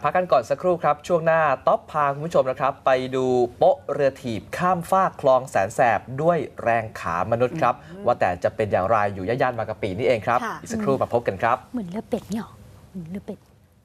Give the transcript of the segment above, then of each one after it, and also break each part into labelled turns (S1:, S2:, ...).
S1: พักกันก่อนสักครู่ครับช่วงหน้าต๊อปพาคุณผู้ชมนะครับไปดูโป๊ะเรือถีบข้ามฟากคลองแสนแสบด้วยแรงขามนุษย์ครับว่าแต่จะเป็นอย่างไรอยู่ย่านบางกะปินี่เองครับอีกสักครู่มาพบกันครับ
S2: เหมือนเรือเป็ดเนี่ยหรอเหมือนเรือเป็ด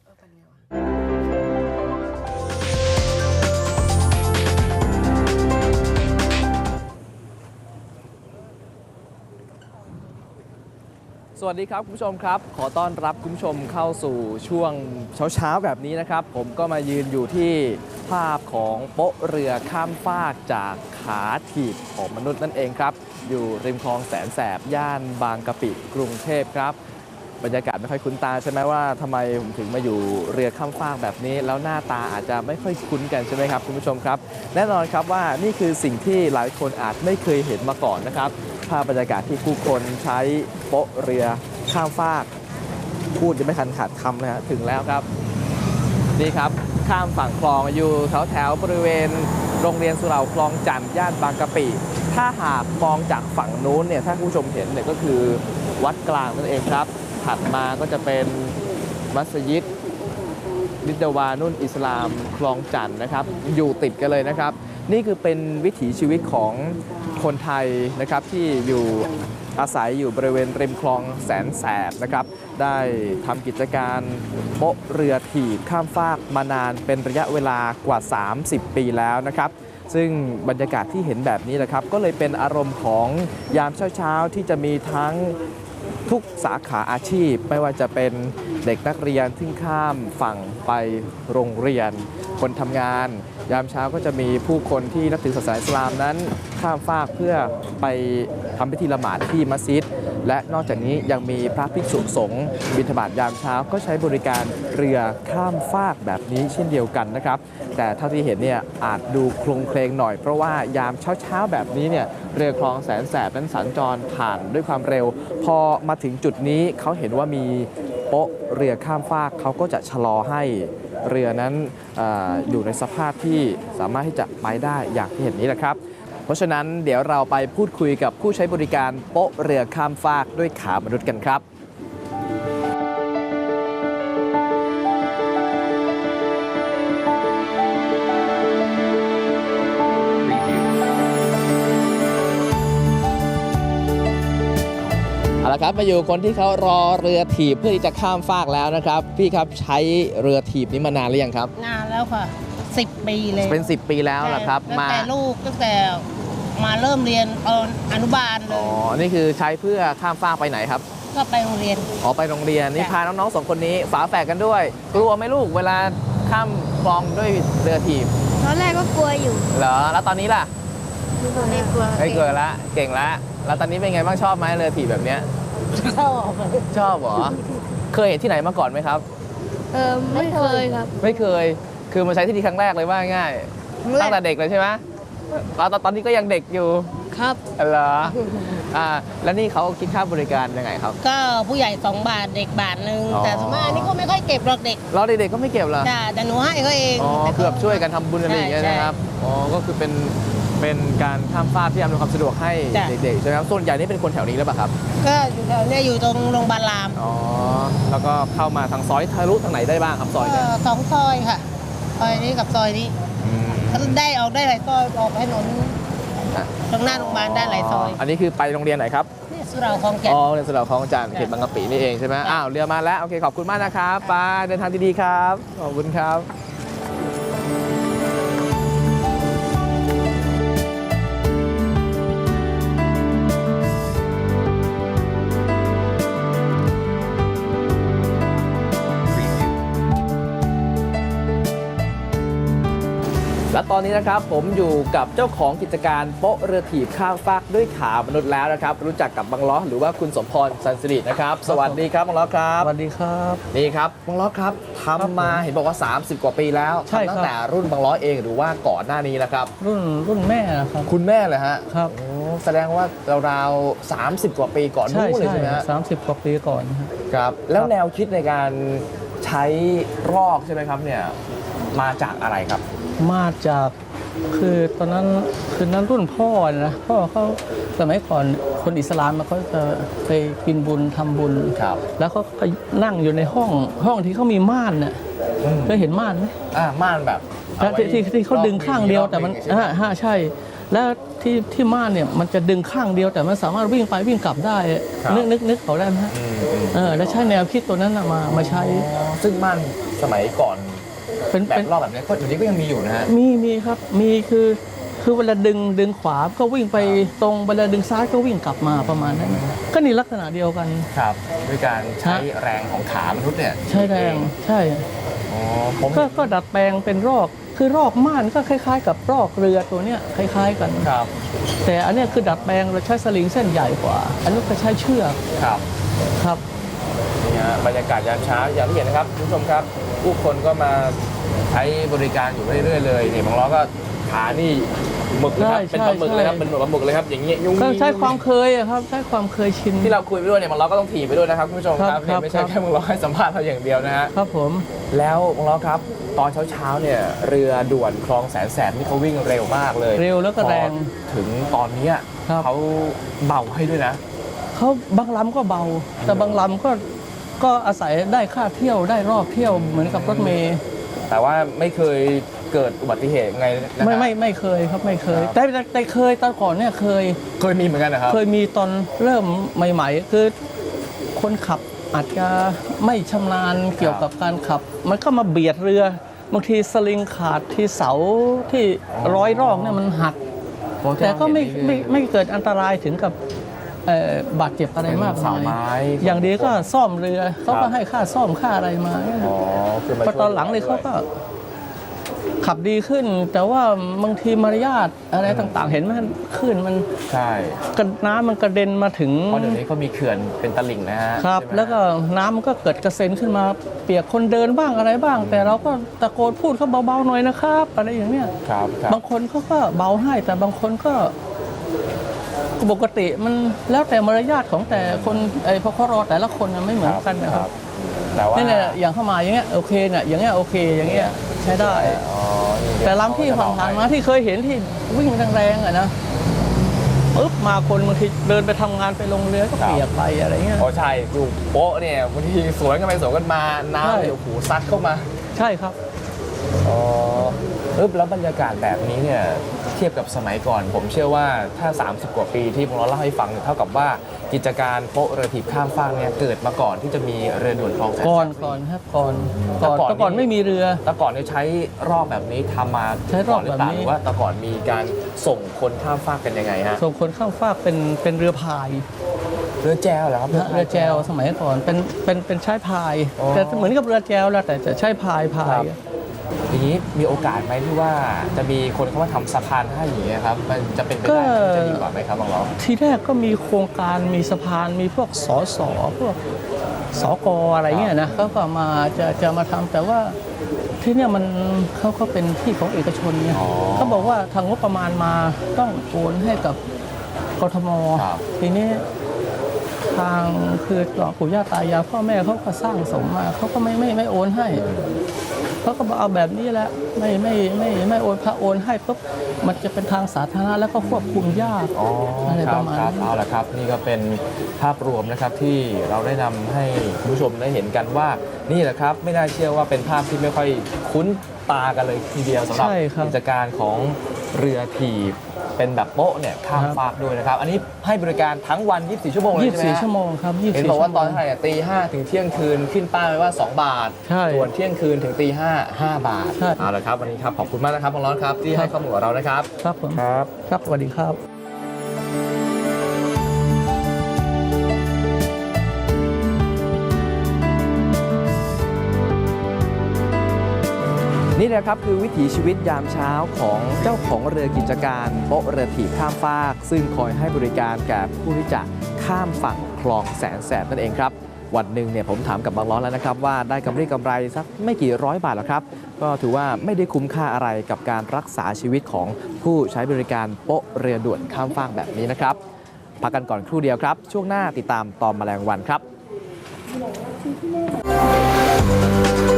S1: สวัสดีครับคุณผู้ชมครับขอต้อนรับคุณผู้ชมเข้าสู่ช่วงเช้าแบบนี้นะครับผมก็มายืนอยู่ที่ภาพของโป๊ะเรือข้ามฟากจากขาถีบของมนุษย์นั่นเองครับอยู่ริมคลองแสนแสบย่านบางกะปิกรุงเทพครับบรรยากาศไม่ค่อยคุ้นตาใช่ไหมว่าทำไมผมถึงมาอยู่เรือข้ามฟากแบบนี้แล้วหน้าตาอาจจะไม่ค่อยคุ้นกันใช่ไหมครับคุณผู้ชมครับแน่นอนครับว่านี่คือสิ่งที่หลายคนอาจไม่เคยเห็นมาก่อนนะครับภาพบรรยากาศที่ผู้คนใช้โป๊ะเรือข้ามฟากพูดจะไม่ทันขาดคำนะฮะถึงแล้วครับนี่ครับข้ามฝั่งคลองอยู่แถวบริเวณโรงเรียนสุเหร่าคลองจันทร์ย่านบางกะปิถ้าหากมองจากฝั่งนู้นเนี่ยถ้าผู้ชมเห็นเนี่ยก็คือวัดกลางนั่นเองครับถัดมาก็จะเป็นมัสยิดนิดวานุนอิสลามคลองจันทร์นะครับอยู่ติดกันเลยนะครับนี่คือเป็นวิถีชีวิตของคนไทยนะครับที่อยู่อาศัยอยู่บริเวณริมคลองแสนแสบนะครับได้ทำกิจการโป๊ะเรือถีบข้ามฟากมานานเป็นระยะเวลากว่า30 ปีแล้วนะครับซึ่งบรรยากาศที่เห็นแบบนี้นะครับก็เลยเป็นอารมณ์ของยามเช้าๆที่จะมีทั้งทุกสาขาอาชีพไม่ว่าจะเป็นเด็กนักเรียนที่ข้ามฝั่งไปโรงเรียนคนทำงานยามเช้าก็จะมีผู้คนที่นับถือศาสนาอิสลามนั้นข้ามฟากเพื่อไปทำพิธีละหมาดที่มัสยิดและนอกจากนี้ยังมีพระภิกษุสงฆ์บิณฑบาตยามเช้าก็ใช้บริการเรือข้ามฟากแบบนี้เช่นเดียวกันนะครับแต่เท่าที่เห็นเนี่ยอาจดูโคลงเคลงหน่อยเพราะว่ายามเช้าแบบนี้เนี่ยเรือคลองแสนแสบนั้นสัญจรผ่านด้วยความเร็วพอมาถึงจุดนี้เขาเห็นว่ามีโป๊ะเรือข้ามฟากเขาก็จะชะลอให้เรือนั้นอยู่ในสภาพที่สามารถที่จะไปได้อย่างที่เห็นนี้แหละครับเพราะฉะนั้นเดี๋ยวเราไปพูดคุยกับผู้ใช้บริการโป๊ะเรือข้ามฟากด้วยขามนุษย์กันครับเอาละครับมาอยู่คนที่เขารอเรือถีบเพื่อที่จะข้ามฟากแล้วนะครับพี่ครับใช้เรือถีบนี้มานานหรือยังครับ
S3: นานแล้วค่ะ10 ปีเลย
S1: เป็น10 ปีแล้วเหรอครับ
S3: ตั้งแต่ลูกตั้งแต่มาเริ่มเรียนอนุบาลเลย
S1: อ๋อนี่คือใช้เพื่อข้ามฟากไปไหนครับ
S3: ก็ไปโรงเรียน
S1: อ๋อไปโรงเรียนนี่พาน้องๆ2 คนนี้ฝาแฝดกันด้วยกลัวไหมลูกเวลาข้ามคลองด้วยเรือถีบ
S2: ตอนแรกก็กลัวอยู่
S1: เหรอแล้วตอนนี้ล่ะ
S2: ไม่กลัว
S1: ไม่กลัวละเก่งละแล้วตอนนี้เป็นไงบ้างชอบไหมเรือถีบแบบเนี้ยชอบเหรอเคยเห็นที่ไหนมาก่อนไหมครับ
S2: ไม่เคยครับ
S1: ไม่เคยคือมาใช้ที่นี่ครั้งแรกเลยว่าง่ายตั้งแต่เด็กเลยใช่ไหมตอนนี้ก็ยังเด็กอยู่
S2: ครับ
S1: เหรอแล้วนี่เขาคิดค่าบริการยังไงครับ
S3: ก็ผู้ใหญ่2 บาทเด็ก1 บาทแต่สมัยนี้ก็ไม่ค่อยเก็บหรอกเด็ก
S1: เราเด็กๆก็ไม่เก็บเหรอ
S3: แต่หนูให้เขาเอง
S1: อ๋อเกือบช่วยกันทำบุญอะไรอย่างเงี้ยนะครับอ๋อก็คือเป็นการข้ามฟากที่อำนวยความสะดวกให้เด็กๆใช่ไหมครับส่วนใหญ่นี่เป็นคนแถวนี้หรือเปล่าครับ
S3: ก็อยู่แถวนี้อยู่ตรงโรงพยาบาลราม
S1: อ๋อแล้วก็เข้ามาทางซอยทะลุทางไหนได้บ้างครับซอยเนี่ย
S3: 2 ซอยค่ะซอยนี้กับซอยนี้ก็ได้ออกได้หลายซอยออกถนนตรงหน้าโรงพยาบาลได้หลายซอย
S1: อันนี้คือไปโรงเรียนไหนครับ
S3: นี่สุเหร่าคลองจันทร์
S1: อ๋อโรงเรียนสุเหร่าคลองจันทร์เขตบางกะปินี่เองใช่ไหมอ้าวเรือมาแล้วโอเคขอบคุณมากนะครับไปเดินทางดีๆครับขอบคุณครับและตอนนี้นะครับผมอยู่กับเจ้าของกิจการโป๊ะเรือถีบข้ามฟากด้วยขามนุษย์แล้วนะครับรู้จักกับบังล้อหรือว่าคุณสมพรสันสิรินะครับสวัสดีครับบังล้อครับ
S4: สวัสดีครับ
S1: นี่ครับบังล้อครับทำมาเห็นบอกว่า30 กว่าปีแล้ว
S4: ใช่ครับ
S1: ตั้งแต่รุ่นบังล้อเองหรือว่าก่อนหน้านี้นะครับ
S4: รุ่นแม่นะครับ
S1: คุณแม่เลยฮะ
S4: ครับ
S1: แสดงว่าราวๆ30 กว่าปีก่อนนู้นเลยใช่ไหมฮะ
S4: 30 กว่าปีก่อน
S1: ครับแล้วแนวคิดในการใช้รอกใช่ไหมครับเนี่ยมาจากอะไรครับ
S4: มาจากคือตอนนั้นคือนั้นรุ่นพ่อนะพ่อเขาสมัยก่อนคนอิสลามเขาจะไปกินบุญทำบุญ
S1: ครับ
S4: แล้วเขาก็นั่งอยู่ในห้องที่เขามีม่านเนี่ยเคยเห็นม่านไหม
S1: ม่านแบบเอาไว้
S4: ที่เขาดึงข้างเดียวแต่มัน
S1: รอบหงใช่ไห
S4: ใช่ แล้วที่ม่านเนี่ยมันจะดึงข้างเดียวแต่มันสามารถวิ่งไปวิ่งกลับได้
S1: ครับ
S4: นึกเขาได้ไหมฮะ แล้วใช้แนวคิดตัวนั้นน่ะมาใช้
S1: ซึ่งม่านสมัยก่อน
S4: เป็น
S1: แบบรอบแบบนี้ก็อยู่นี้ก็ยังมีอยู่นะฮะ
S4: มีครับมีคือเวลาดึงขวาก็วิ่งไปตรงเวลาดึงซ้ายก็วิ่งกลับมาประมาณนั้นก็นี่ลักษณะเดียวกัน
S1: ครับด้วยการใช้แรงของขามนุษย์เนี่ย
S4: ใช้แรงใช่
S1: อ๋อผม
S4: ก็ดัดแปลงเป็นรอกคือรอกม่านก็คล้ายๆ กับรอกเรือตัวเนี้ยคล้ายๆกัน
S1: ครับ
S4: แต่อันเนี้ยคือดัดแปลงเราใช้สลิงเส้นใหญ่กว่า อันนี้ก็ใช้เชือก
S1: ครับ
S4: ครับ
S1: นี่ฮะบรรยากาศยามเช้าอย่างที่เห็นนะครับคุณผู้ชมครับผู้คนก็มาใช้บริการอยู่เรื่อยๆเลยเนี่ยบางล้อก็ขานี่หมึกเลยครับ
S4: ใช่
S1: เป็นปลาหมึกเลยครับ
S4: ใช่
S1: เป็นปลาหมึกเลยครับอย่างเงี้ยยุ่ง
S4: ก็ใช้ความเคยอะครับใช้ความเคยชิน
S1: ที่เราคุยไปด้วยเนี่ยบางล้อก็ต้องถีบไปด้วยนะครับคุณผู้ชมครับ
S4: ครับ
S1: เนี่ยไม่ใช่
S4: ครับ
S1: แค่บางล้อให้สัมภาษณ์เราอย่างเดียวนะฮะ
S4: ครับผม
S1: แล้วบางล้อครับตอนเช้าๆเนี่ยเรือด่วนคลองแสนแสบนี่เขาวิ่งเร็วมากเลย
S4: เร็วแล้วก็แรง
S1: พอถึงตอนเนี้ย
S4: ครับ
S1: เขาเบาให้ด้วยนะ
S4: เขาบางลำก็เบา แต่บางลำก็อาศัยได้ค่าเที่ยวได้รอบเที่ยวเหมือนกับรถเมย์
S1: แต่ว่าไม่เคยเกิดอุบัติเหตุไงนะฮะ
S4: ไม่เคยครับไม่เคย
S1: ครับ
S4: แต่เคยตอนก่อนเนี่ยเคย
S1: เคยมีเหมือนกันนะครับ
S4: เคยมีตอนเริ่มใหม่ๆ คือคนขับอาจจะไม่ชำนาญเกี่ยวกับการขับ มันก็มาเบียดเรือบางทีสลิงขาดที่เสาที่ร้อยรอกเนี่ยมันหัก แต่ก็ไม่เกิดอันตรายถึงกับบาดเจ็บอะไรมาก
S1: เป็นเสาไม้
S4: อย่างดีก็ซ่อมเรือเขาก็ให้ค่าซ่อมค่าอะไรมา
S1: อ๋อคือมา
S4: พอตอนหลังเลยเขาก็ขับดีขึ้น แต่ว่าบางทีมารยาทอะไรต่างๆ เห็นไหมขึ้นมัน
S1: ใช่
S4: น้ำมันกระเด็นมาถึง
S1: เพราะเดี๋ยวนี้เขามีเขื่อนเป็นตลิ่งนะฮะ
S4: ครับ
S1: ใช่ไหม
S4: แล้วก็น้ำมันก็เกิดกระเซ็นขึ้นมาเปียกคนเดินบ้างอะไรบ้าง แต่เราก็ตะโกนพูดเขาเบาๆหน่อยนะครับอะไรอย่างเนี้ย
S1: ครับครับ
S4: บางคนเขาก็เบาให้แต่บางคนก็ปกติมันแล้วแต่มารยาทของแต่คนพอเขารอแต่ละคนมันไม่เหมือนกันนะครับ
S1: แต่ว่า
S4: นี่เนี่ยอย่างเข้ามาอย่างเงี้ยโอเคเนี่ยอย่างเงี้ยโอเคอย่างเงี้ยใช้ได้
S1: อ๋อนี่
S4: แต่ลำที่ผ่านๆมาที่เคยเห็นที่วิ่งแรงๆอะนะปึ๊บมาคนบางทีเดินไปทำงานไปลงเรือก็เปียกไปอะไรเงี้ย
S1: อ๋อใช่อยู่โป๊ะเนี่ยบางทีสวนกันไปสวนกันมา
S4: ใช่
S1: น้ำเนี่ยโอ้โหซัดเข้ามา
S4: ใช่ครับ
S1: อ๋อแล้วบรรยากาศแบบนี้เนี่ยเทียบกับสมัยก่อน ผมเชื่อว่าถ้า 30 กว่าปีที่ผมเล่าให้ฟังเท่ากับว่ากิจการโป๊ะเรือถีบข้ามฟากเนี่ยเกิดมาก่อนที่จะมีเรือด่วนคลองแสนแสบ
S4: ก่อนครับก่อน
S1: แต่ก่อน
S4: แต่ก่อน
S1: นี่
S4: ไม่มีเรือ
S1: แต่ก่อนเนี่ยใช้รอบแบบนี้ทำมา
S4: ใช้รอบ
S1: ก่นหรือเปล่า
S4: แบบนี้
S1: หรือว่าแต่ก่อนมีการส่งคนข้ามฟากกันยังไงฮะ
S4: ส่งคนข้ามฟากเป็นเรือพาย
S1: เรือแจวเหรอครับ
S4: นะเรือแจวสมัยก่อนเป็นใช้พาย
S1: อ๋อ
S4: แต่เหมือนกับเรือแจวแหละแต่จะใช้พาย
S1: อย่างนี้มีโอกาสไหมที่ว่าจะมีคนเข้ามาทำสะพานให้อย่างเงี้ยครับมันจะเป็นไปได้ที่จะดีกว่าไหมครับบางล้อ
S4: ทีแรกก็มีโครงการมีสะพานมีพวกสสพวกสกอะไรเงี้ยนะเขาก็มาจะมาทำแต่ว่าที่เนี่ยมันเขาก็เป็นที่ของเอกชนเนี่ย
S1: อ๋อ
S4: เขาบอกว่าทางงบประมาณมาต้องโอนให้กับกทม
S1: ครับ
S4: ทีนี้ทางคือปู่ย่าตายายพ่อแม่เขาก็สร้างสมมาเขาก็ไม่โอนให้เขาก็บอกเอาแบบนี้แหละไม่โอนพระโอนให้ปุ๊บมันจะเป็นทางสาธารณะแล้วก็ควบคุมยาก
S1: อ๋อ
S4: อะไร
S1: ค
S4: ป
S1: รับ
S4: ระมาณ
S1: ครับ
S4: นั้น
S1: เอาละครับ นี่ก็เป็นภาพรวมนะครับที่เราได้นำให้คุณผู้ชมได้เห็นกันว่านี่แหละครับไม่น่าเชื่อว่าเป็นภาพที่ไม่ค่อยคุ้นตากันเลยทีเดียวสำหรับ
S4: ใช่ครับ
S1: กิจการของเรือถีบเป็นแบบโป๊ะเนี่ยข้าม
S4: ครับ
S1: ฟากด้วยนะครับ อันนี้ให้บริการทั้งวัน 24 ชั่วโมงเลยใช่ไหมฮะ
S4: 24 ชั่วโมงครับ24
S1: เห็นบอกว่าตอน
S4: ชั่
S1: เท่าไหร่ตี 5 ถึงเที่ยงคืนขึ้นป้ายไว้ว่า 2 บาท
S4: ใช่
S1: ส่วนเที่ยงคืนถึงตี 5 5 บาท
S4: ใช่
S1: เอาละครับวันนี้ครับขอบคุณมากนะครับบางร้อนครับที่ให้ข้อมูลกับเรานะครับ
S4: ครับผม
S1: ครับ
S4: ครับสวัสดีครับ
S1: นี่แหละครับคือวิถีชีวิตยามเช้าของเจ้าของเรือกิจการโป๊ะเรือถีบข้ามฟาก ซึ่งคอยให้บริการแก่ผู้ที่จะข้ามฝั่งคลองแสนแสบนั่นเองครับวันหนึ่งเนี่ยผมถามกับบางล้อแล้วนะครับว่าได้กำไรสักไม่กี่ร้อยบาทหรอกครับก็ถือว่าไม่ได้คุ้มค่าอะไรกับการรักษาชีวิตของผู้ใช้บริการโป๊ะเรือด่วนข้ามฟากแบบนี้นะครับพักกันก่อนครู่เดียวครับช่วงหน้าติดตามตอนแมลงวันครับ